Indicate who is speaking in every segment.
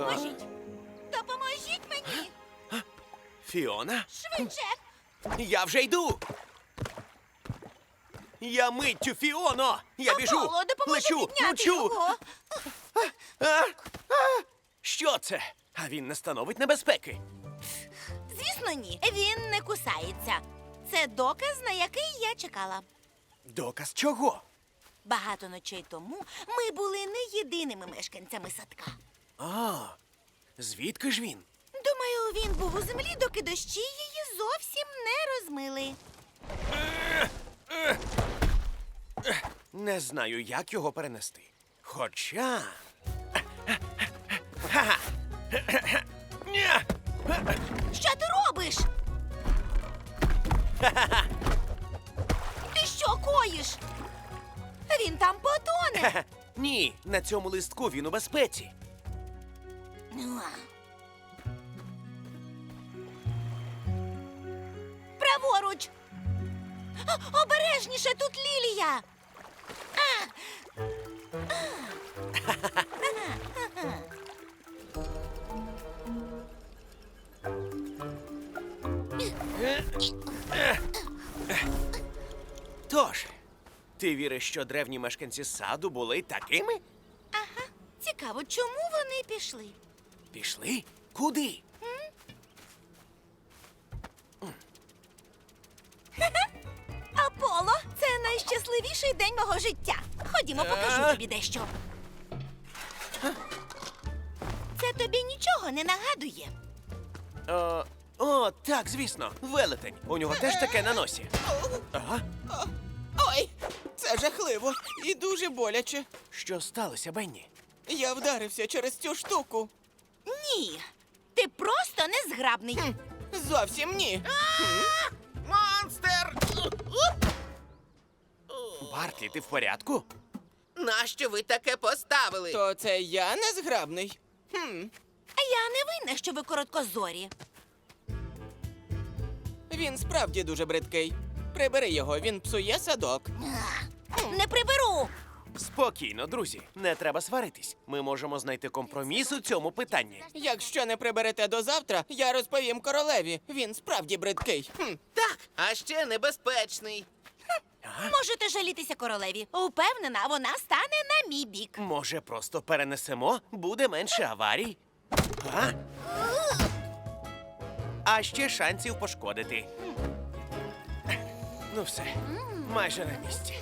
Speaker 1: Допоможіть! Допоможіть мені!
Speaker 2: Фіона?
Speaker 1: Швидше!
Speaker 2: Я вже йду! Я миттю, Фіоно! Я біжу!
Speaker 1: Аполло, допоможи
Speaker 2: Лечу!
Speaker 1: підняти
Speaker 2: Мчу!
Speaker 1: його!
Speaker 2: Що це? А він не становить небезпеки.
Speaker 1: Звісно, ні. Він не кусається. Це доказ, на який я чекала.
Speaker 2: Доказ чого?
Speaker 1: Багато ночей тому ми були не єдиними мешканцями садка.
Speaker 2: А, звідки ж він?
Speaker 1: Думаю, він був у землі, доки дощі її зовсім не розмили.
Speaker 2: Не знаю, як його перенести. Хоча. Ха-ха. Ня!
Speaker 1: Що ти робиш? Ти що коїш? Він там потоне.
Speaker 2: Хе-хе. Ні, на цьому листку він у безпеці.
Speaker 1: Праворуч. Обережніше, тут лілія.
Speaker 2: Тож, ти віриш, що древні мешканці саду були такими?
Speaker 1: Ага. Цікаво, чому вони пішли?
Speaker 2: Пішли? Куди?
Speaker 1: Аполло, це найщасливіший день мого життя. Ходімо, покажу тобі дещо. Це тобі нічого не нагадує.
Speaker 2: О, так, звісно, велетень. У нього теж таке на носі. Ага.
Speaker 3: Ой, це жахливо і дуже боляче.
Speaker 2: Що сталося, Бенні?
Speaker 3: Я вдарився через цю штуку.
Speaker 1: Ні, ти просто незграбний.
Speaker 3: Зовсім ні.
Speaker 4: Монстр!
Speaker 2: Бартлі, ти в порядку?
Speaker 4: Нащо ви таке поставили?
Speaker 3: То це я незграбний?
Speaker 1: А я не винна, що ви короткозорі.
Speaker 3: Він справді дуже бридкий. Прибери його, він псує садок.
Speaker 1: Не приберу.
Speaker 2: Спокійно, друзі, не треба сваритись. Ми можемо знайти компроміс у цьому питанні.
Speaker 3: Якщо не приберете до завтра, я розповім королеві. Він справді бридкий.
Speaker 4: Так, а ще небезпечний.
Speaker 1: Можете жалітися королеві. Упевнена, вона стане на мій бік.
Speaker 2: Може, просто перенесемо? Буде менше аварій. А? А ще шансів пошкодити. Ну все, майже на місці.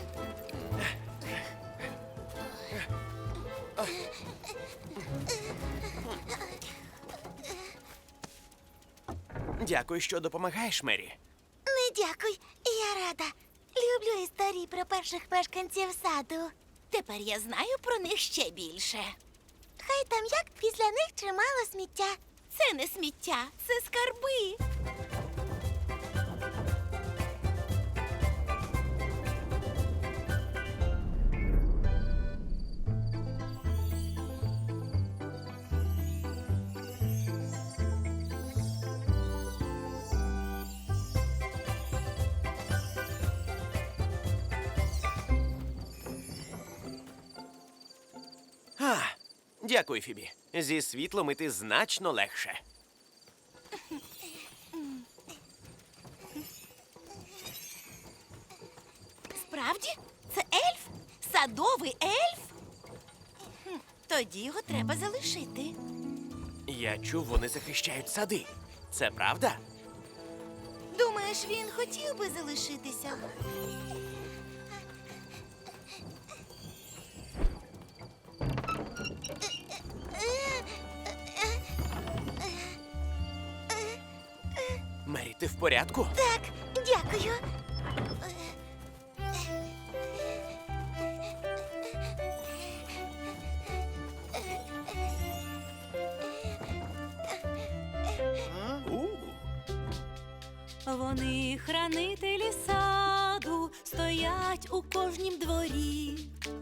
Speaker 2: Дякую, що допомагаєш, Мері.
Speaker 1: Не дякуй, я рада. Люблю історії про перших мешканців саду. Тепер я знаю про них ще більше. Хай там як після них чимало сміття. Це не сміття, це скарби.
Speaker 2: Дякую, Фібі. Зі світлом іти значно легше.
Speaker 1: Справді? Це ельф? Садовий ельф? Тоді його треба залишити.
Speaker 2: Я чув, вони захищають сади. Це правда?
Speaker 1: Думаєш, він хотів би залишитися?
Speaker 2: Мері, ти в порядку?
Speaker 1: Так, дякую.
Speaker 5: Вони хранителі саду, стоять у кожнім дворі.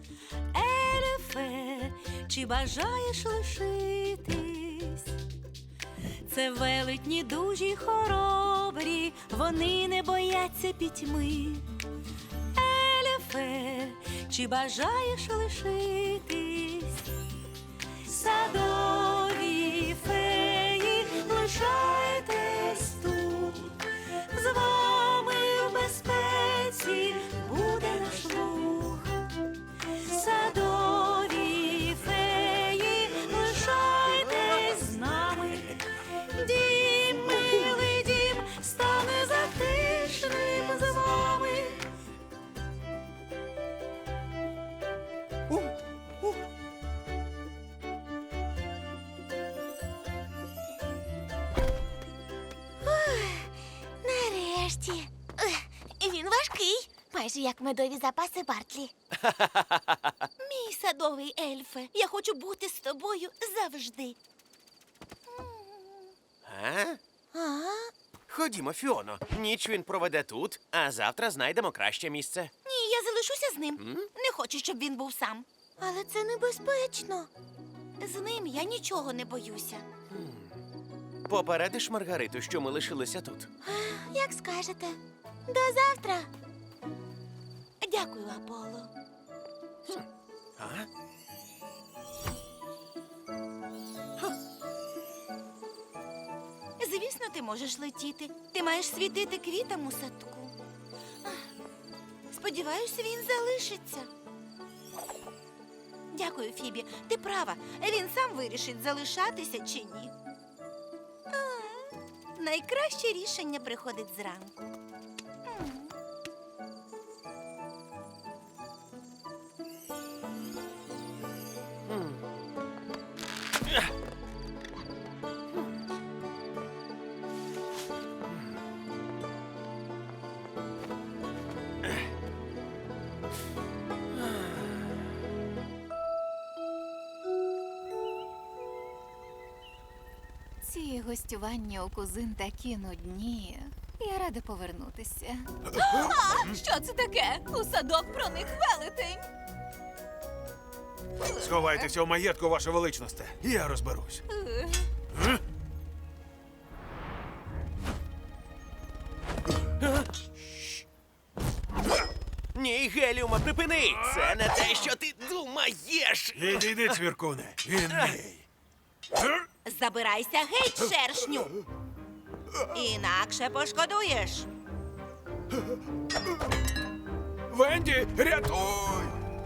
Speaker 5: Ельфе, чи бажаєш лишитись? Це велетні дужі й хоробрі, вони не бояться пітьми. Ельфе, чи бажаєш лишитись? Садові
Speaker 1: Нарешті. Він важкий, майже як медові запаси Бартлі. Мій садовий ельфе, я хочу бути з тобою завжди.
Speaker 2: А?
Speaker 1: А?
Speaker 2: Ходімо, Фіоно. Ніч він проведе тут, а завтра знайдемо краще місце.
Speaker 1: Ні, я залишуся з ним. Не хочу, щоб він був сам. Але це небезпечно. З ним я нічого не боюся.
Speaker 2: Попередиш Маргариту, що ми лишилися тут.
Speaker 1: Як скажете. До завтра. Дякую, Аполло.
Speaker 2: А?
Speaker 1: Звісно, ти можеш летіти. Ти маєш світити квітам у садку. Сподіваюся, він залишиться. Дякую, Фібі. Ти права. Він сам вирішить, залишатися чи ні. Найкраще рішення приходить зранку.
Speaker 6: Ці гостювання у кузин такі нудні. Я рада повернутися. Що це таке? У садок проник велетень.
Speaker 7: Сховайтеся у маєтку, ваше величносте. Я розберусь.
Speaker 2: Ні, Геліума, припини! Це не те, що ти думаєш!
Speaker 7: Іди, цвіркуне. Він мій.
Speaker 1: Забирайся геть, шершню. Інакше пошкодуєш.
Speaker 7: Венді, рятуй!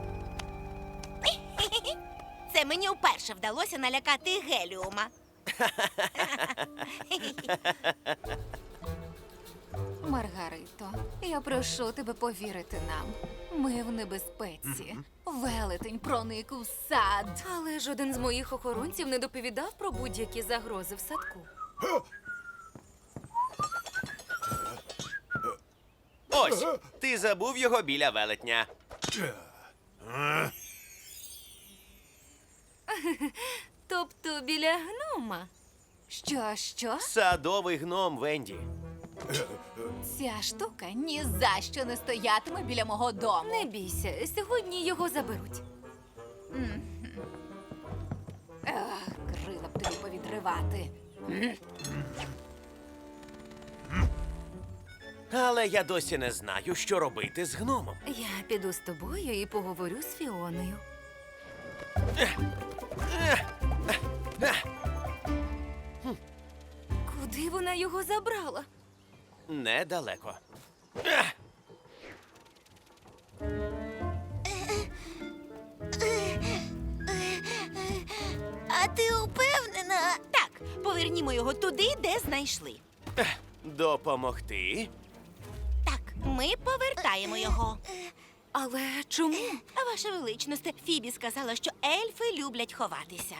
Speaker 1: Це мені вперше вдалося налякати Геліума.
Speaker 6: Маргарито, я прошу тебе повірити нам. Ми в небезпеці. Велетень проник у сад. Але жоден з моїх охоронців не доповідав про будь-які загрози в садку.
Speaker 2: Ось, ти забув його біля велетня.
Speaker 6: Тобто біля гнома. Що?
Speaker 2: Садовий гном, Венді.
Speaker 6: Ця штука ні за що не стоятиме біля мого дому. Не бійся, сьогодні його заберуть. Крила б тобі повідривати.
Speaker 2: Але я досі не знаю, що робити з гномом.
Speaker 6: Я піду з тобою і поговорю з Фіоною. Куди вона його забрала?
Speaker 2: Недалеко.
Speaker 1: А ти упевнена? Так, повернімо його туди, де знайшли.
Speaker 2: Допомогти?
Speaker 1: Так, ми повертаємо його.
Speaker 6: Але чому?
Speaker 1: А ваша величність, Фібі сказала, що ельфи люблять ховатися.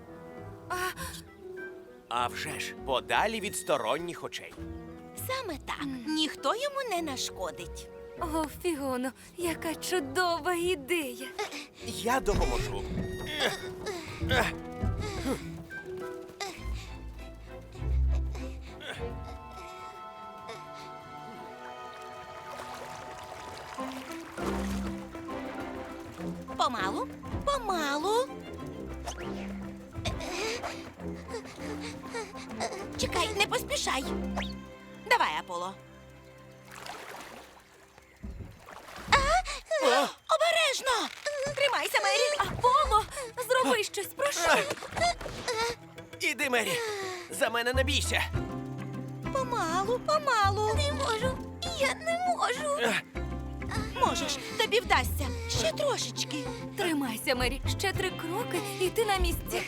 Speaker 2: А вже ж, подалі від сторонніх очей.
Speaker 1: Саме так. Ніхто йому не нашкодить.
Speaker 6: О, Фіоно, яка чудова ідея.
Speaker 2: Я допоможу.
Speaker 1: Помалу, помалу. Чекай, не поспішай. Давай, Аполло. Обережно! Тримайся, Мері!
Speaker 6: Аполло, зроби щось, прошу.
Speaker 2: Іди, Мері. За мене не бійся.
Speaker 1: Помалу, помалу. Не можу. Я не можу. Можеш, тобі вдасться. Ще трошечки.
Speaker 6: Тримайся, Мері, ще 3 кроки, і ти на місці.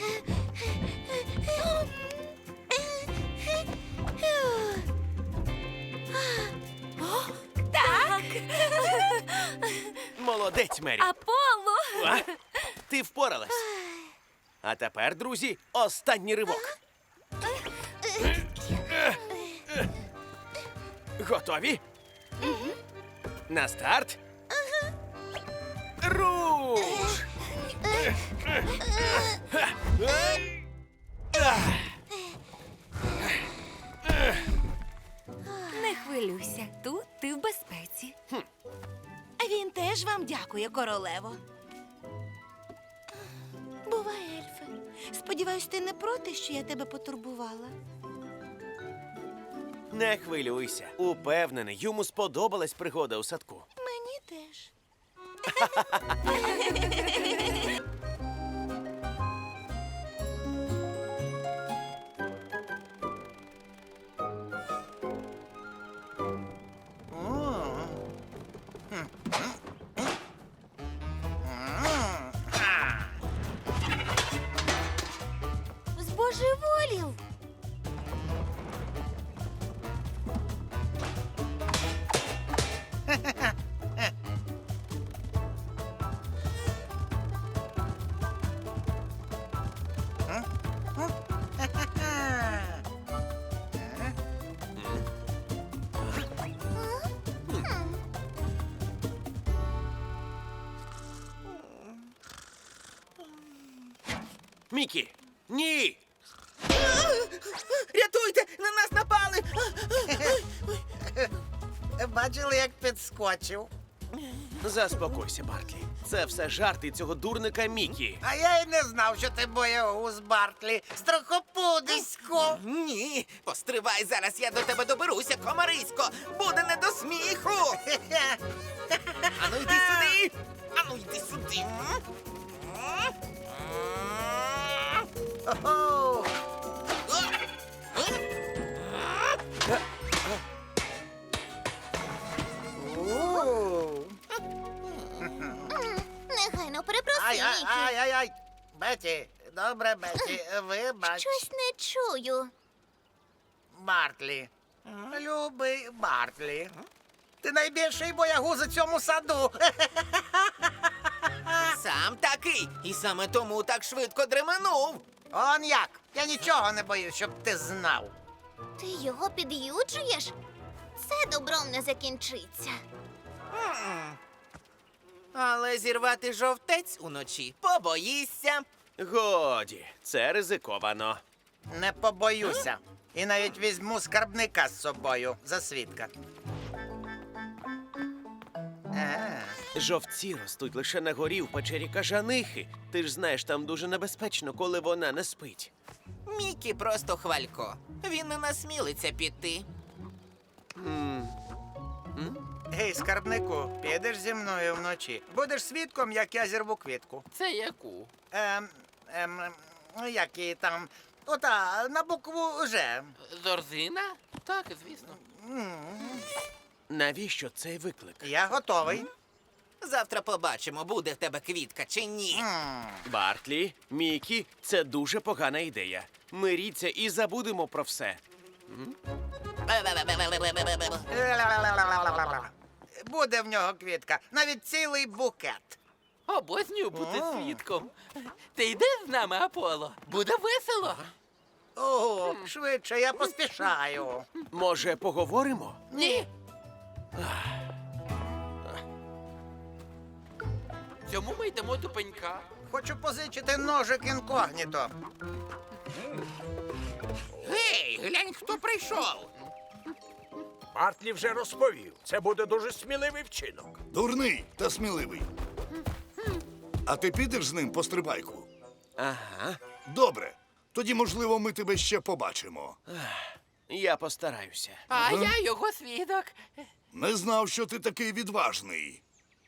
Speaker 1: Так.
Speaker 2: Молодець, Мері.
Speaker 6: Аполло!
Speaker 2: А? Ти впоралась. А тепер, друзі, останній ривок. Готові? На старт. Руш!
Speaker 5: Не хвилюйся, тут ти в безпеці.
Speaker 1: Він теж вам дякує, королево. Бувай, ельфе. Сподіваюсь, ти не проти, що я тебе потурбувала.
Speaker 2: Не хвилюйся. Упевнений, йому сподобалась пригода у садку.
Speaker 1: Мені теж. Збожеволів.
Speaker 2: Мікі! Ні!
Speaker 4: Рятуйте! На нас напали! Бачили, як підскочив.
Speaker 2: Заспокойся, Бартлі. Це все жарти цього дурника Мікі.
Speaker 8: А я й не знав, що ти боягуз, Бартлі. Страхопудисько.
Speaker 4: Ні, постривай, зараз я до тебе доберуся, комарисько! Буде не до сміху! Ану йди сюди! Ану йди сюди!
Speaker 8: Ого.
Speaker 1: Негайно перепроси, Мікі.
Speaker 8: Ай. Беті, добре, Беті, вибач.
Speaker 1: Щось не чую.
Speaker 8: Бартлі. Любий Бартлі. Ти найбільший боягуз у цьому саду.
Speaker 4: Сам такий! І саме тому так швидко дременув!
Speaker 8: Он як? Я нічого не боюсь, щоб ти знав.
Speaker 1: Ти його під'юджуєш? Це добром не закінчиться.
Speaker 4: Але зірвати жовтець уночі побоїшся.
Speaker 2: Годі, це ризиковано.
Speaker 8: Не побоюся. І навіть візьму скарбника з собою за свідка.
Speaker 2: Жовці ростуть лише на горі в печері кажанихи. Ти ж знаєш, там дуже небезпечно, коли вона не спить.
Speaker 4: Мікі просто хвалько. Він не насмілиться піти.
Speaker 8: Гей, скарбнику, підеш зі мною вночі. Будеш свідком, як я зірву квітку.
Speaker 4: Це яку?
Speaker 8: Як її там. Ота, на букву Ж.
Speaker 4: Зорзина? Так, звісно.
Speaker 2: Навіщо цей виклик?
Speaker 8: Я готовий.
Speaker 4: Завтра побачимо, буде в тебе квітка чи ні.
Speaker 2: Бартлі, Мікі, це дуже погана ідея. Миріться і забудемо про все.
Speaker 8: Буде в нього квітка, навіть цілий букет.
Speaker 9: Обознюю бути свідком. Ти йдеш з нами, Аполло? Буде весело.
Speaker 8: О, швидше, я поспішаю.
Speaker 2: Може, поговоримо?
Speaker 9: Ні. Цьому ми йдемо до пенька.
Speaker 8: Хочу позичити ножик інкогніто.
Speaker 4: Гей, глянь, хто прийшов.
Speaker 7: Бартлі вже розповів. Це буде дуже сміливий вчинок.
Speaker 10: Дурний та сміливий. А ти підеш з ним по стрибайку?
Speaker 2: Ага,
Speaker 10: Добре. Тоді, можливо, ми тебе ще побачимо.
Speaker 2: я постараюся.
Speaker 9: А я його свідок.
Speaker 10: Не знав, що ти такий відважний.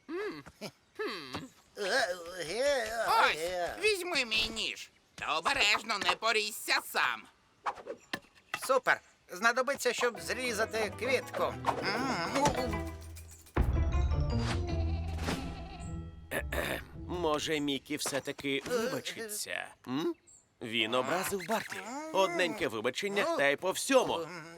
Speaker 4: Ось, візьми мій ніж. Та обережно не порізься сам.
Speaker 8: Супер. Знадобиться, щоб зрізати квітку.
Speaker 2: Може, Мікі все-таки вибачиться? М? Він образив Бартлі. Одненьке вибачення та й по всьому.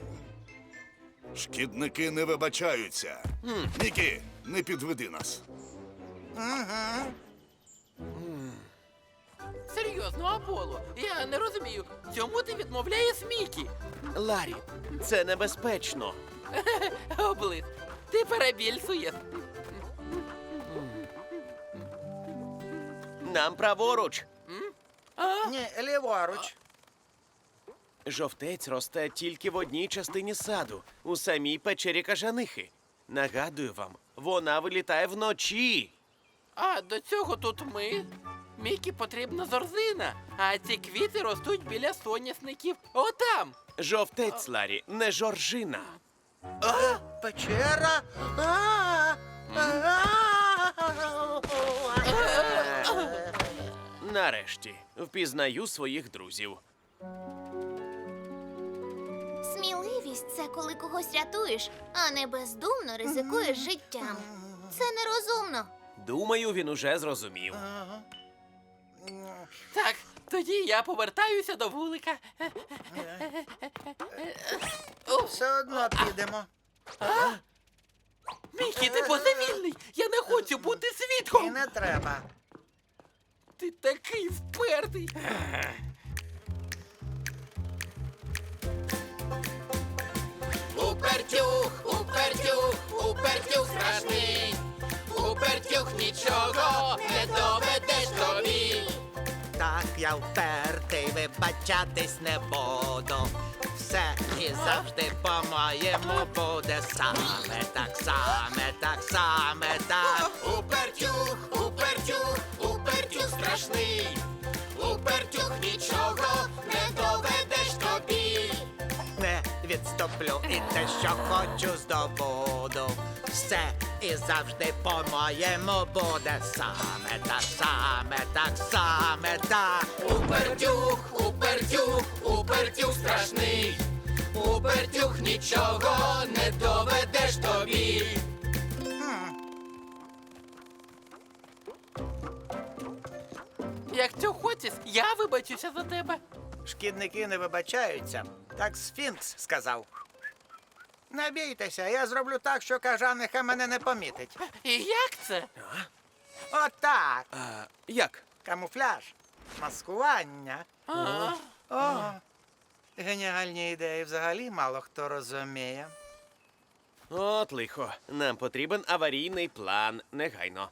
Speaker 10: Шкідники не вибачаються. Нікі, не підведи нас.
Speaker 9: серйозно, Аполло. Я не розумію, чому ти відмовляєш Мікі?
Speaker 2: Ларі, це небезпечно.
Speaker 9: Облиз, ти перебільшуєш.
Speaker 2: Нам праворуч.
Speaker 8: Ні, ліворуч.
Speaker 2: Жовтець росте тільки в одній частині саду, у самій печері кажанихи. Нагадую вам, вона вилітає вночі.
Speaker 9: А до цього тут ми. Мікі потрібна зорзина, а ці квіти ростуть біля соняшників. Отам.
Speaker 2: Жовтець, Ларі, не жоржина.
Speaker 8: Печера.
Speaker 2: Нарешті, впізнаю своїх друзів.
Speaker 1: Сміливість це коли когось рятуєш, а не бездумно ризикуєш життям. Це нерозумно.
Speaker 2: Думаю, він уже зрозумів.
Speaker 9: Так, тоді я повертаюся до вулика.
Speaker 8: Все одно підемо.
Speaker 9: Мікі, ти божевільний! Я не хочу бути
Speaker 8: І
Speaker 9: свідком!
Speaker 8: не треба.
Speaker 9: Ти такий впертий! Упертюх, упертюх, упертюх страшний! Упертюх нічого не доведеш тобі!
Speaker 4: Так, я впертий, вибачатись не буду. Все і завжди по-моєму буде саме так, саме так, саме так.
Speaker 9: Упертюх, упертюх, упертюх страшний! Упертюх нічого не доведеш тобі!
Speaker 4: Не відступлю і те, що хочу, здобуду. Все і завжди по-моєму буде саме так, саме так, саме так.
Speaker 9: Упертюх, упертюх, упертюх страшний! Упертюх нічого не доведеш тобі! Якщо хочеш, я вибачуся за тебе.
Speaker 8: Шкідники не вибачаються. Так Сфінкс сказав. Не бійтеся, я зроблю так, що кажаниха мене не помітить.
Speaker 9: І як це?
Speaker 8: Отак.
Speaker 2: Як?
Speaker 8: Камуфляж. Маскування.
Speaker 9: А,
Speaker 8: О, геніальні ідеї взагалі мало хто розуміє.
Speaker 2: От лихо. Нам потрібен аварійний план. Негайно.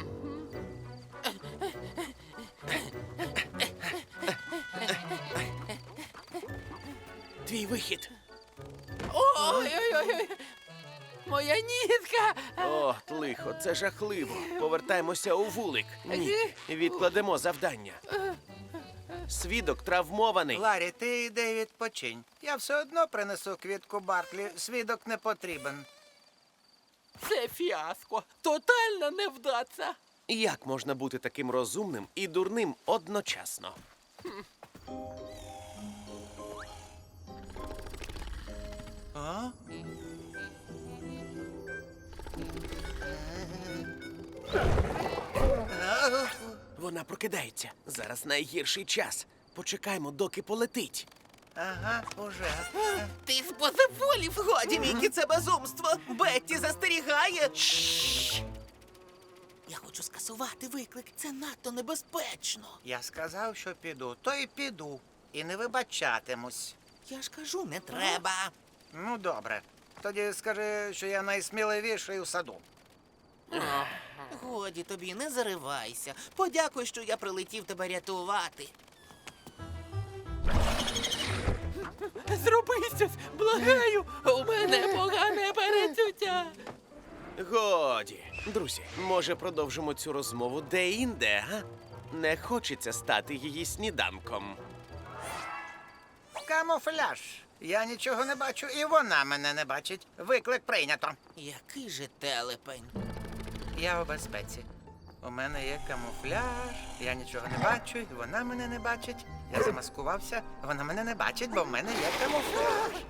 Speaker 2: Твій вихід.
Speaker 9: ой-ой-ой! Моя нітка!
Speaker 2: От лихо, це жахливо. Повертаємося у вулик. Ні, відкладемо завдання. Свідок травмований.
Speaker 8: Ларі, ти йди відпочинь. Я все одно принесу квітку Бартлі. Свідок не потрібен.
Speaker 9: Це фіаско! Тотальна невдача!
Speaker 2: Як можна бути таким розумним і дурним одночасно?
Speaker 8: А?
Speaker 2: Вона прокидається. Зараз найгірший час. Почекаймо, доки полетить.
Speaker 8: Ага, уже.
Speaker 9: Ти збожеволів!
Speaker 4: Годі, Мікі, це безумство. Бетті застерігає.
Speaker 3: Я хочу скасувати виклик. Це надто небезпечно.
Speaker 8: Я сказав, що піду, то й піду. І не вибачатимусь.
Speaker 3: Я ж кажу, не треба.
Speaker 8: Ну, добре. Тоді скажи, що я найсміливіший у саду.
Speaker 3: Годі тобі, не заривайся. Подякуй, що я прилетів тебе рятувати.
Speaker 9: Зроби щось! Благаю! У мене погане перечуття!
Speaker 2: Годі. Друзі, може продовжимо цю розмову де-інде, га? Не хочеться стати її сніданком.
Speaker 8: Камуфляж. Я нічого не бачу, і вона мене не бачить. Виклик прийнято.
Speaker 3: Який же телепень.
Speaker 8: Я у безпеці. У мене є камуфляж, я нічого не бачу, і вона мене не бачить. Я замаскувався, вона мене не бачить, бо в мене є камуфляж.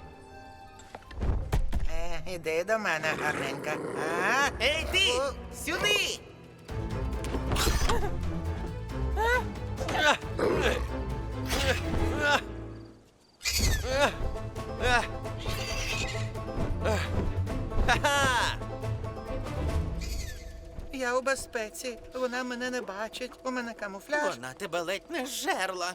Speaker 8: Іди до мене, гарненька.
Speaker 4: Ей, ти! Сюди!
Speaker 2: Ха-ха!
Speaker 8: Я у безпеці. Вона мене не бачить. У мене камуфляж.
Speaker 3: Вона тебе ледь не жерла.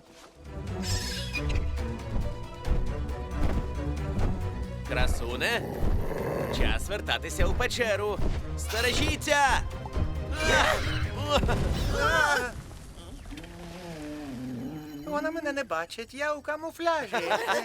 Speaker 2: Красуне, час вертатися у печеру. Стережіться!
Speaker 8: Вона мене не бачить. Я у камуфляжі.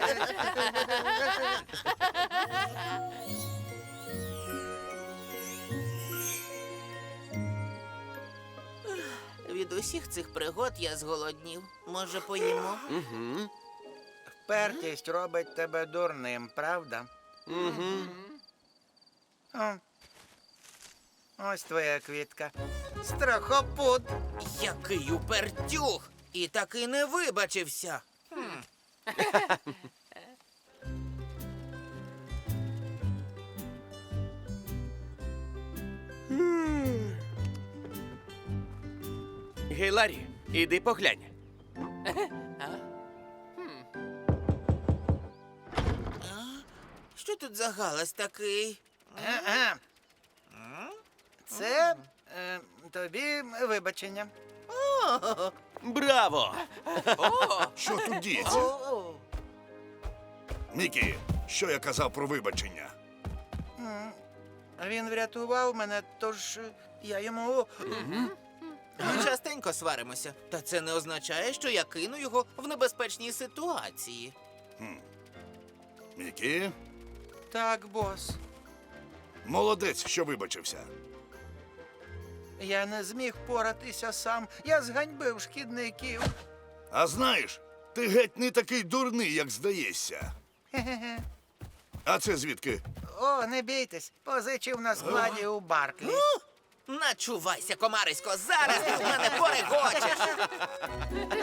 Speaker 3: Від усіх цих пригод я зголоднів. Може, поїмо?
Speaker 2: Угу.
Speaker 8: Впертість робить тебе дурним, правда?
Speaker 2: Угу.
Speaker 8: О. Ось твоя квітка. Страхопут.
Speaker 3: Який упертюх! І таки не вибачився.
Speaker 2: Гей, Ларі, іди поглянь.
Speaker 3: Що тут за галас такий?
Speaker 8: Ага. Це тобі вибачення.
Speaker 2: Браво!
Speaker 10: Що тут діється? Мікі, що я казав про вибачення?
Speaker 8: Він врятував мене, тож я йому.
Speaker 3: Ми частенько сваримося. Та це не означає, що я кину його в небезпечній ситуації.
Speaker 10: Мікі,
Speaker 8: Так, бос.
Speaker 10: молодець, що вибачився.
Speaker 8: Я не зміг поратися сам. Я зганьбив шкідників.
Speaker 10: А знаєш, ти геть не такий дурний, як здаєшся.
Speaker 8: Хе-хе-хе.
Speaker 10: А це звідки?
Speaker 8: О, не бійтесь, позичив на складі у Барклі.
Speaker 3: Начувайся, комарисько, зараз ти в мене порегочеш.